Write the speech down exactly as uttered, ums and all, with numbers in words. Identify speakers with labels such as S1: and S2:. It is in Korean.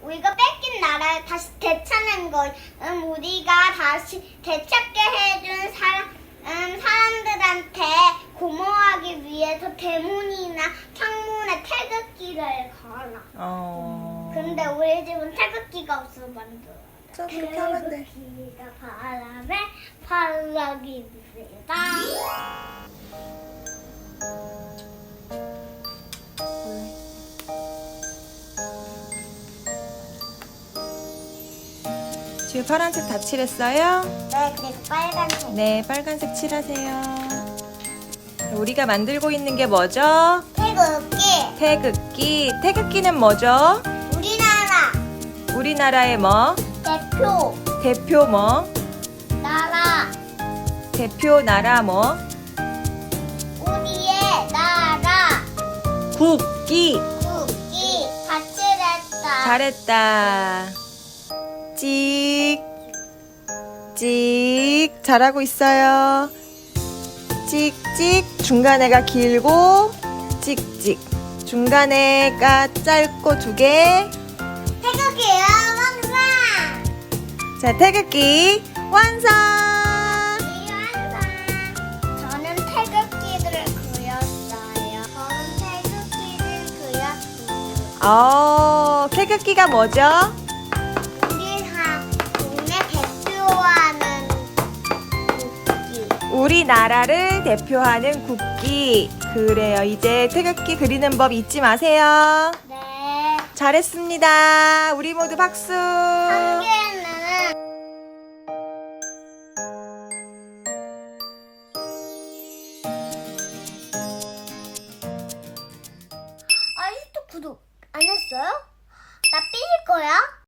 S1: 우리가 뺏긴 나라를 다시 되찾는 것, 음, 우리가 다시 되찾게 해준 사람, 음, 사람들한테 고마워하기 위해서 대문이나 창문에 태극기를 걸어.
S2: 어.
S1: 근데 우리 집은 태극기가 없어서 만들어.
S2: 자, 그렇게 하면 돼.
S1: 태극기가 바람에 팔락입니다.
S2: 지금 파란색 다 칠했어요?
S1: 네, 그리고 빨간색.
S2: 네, 빨간색 칠하세요. 우리가 만들고 있는 게 뭐죠?
S1: 태극기.
S2: 태극기. 태극기는 뭐죠?
S1: 우리나라
S2: 우리나라의 뭐?
S1: 대표
S2: 대표 뭐?
S1: 나라.
S2: 대표 나라 뭐?
S1: 우리의 나라.
S2: 국기.
S1: 국기. 가치랬다.
S2: 잘했다. 찍. 찍. 잘하고 있어요. 찍찍. 중간에가 길고 찍찍. 중간에가 짧고 두 개.
S1: 태극기야 왕상.
S2: 자, 태극기 완성.
S1: 이 왕상. 저는 태극기들을 그렸어요. 저는 태극기를 그렸어요.
S2: 어, 태극기가 뭐죠?
S1: 우리 하 동네 대표하는 국기.
S2: 우리나라를 대표하는 국기. 그래요. 이제 태극기 그리는 법 잊지 마세요.
S1: 네.
S2: 잘했습니다. 우리 모두 박수.
S1: 한 개는 아직도 구독 안 했어요? 나 삐질 거야?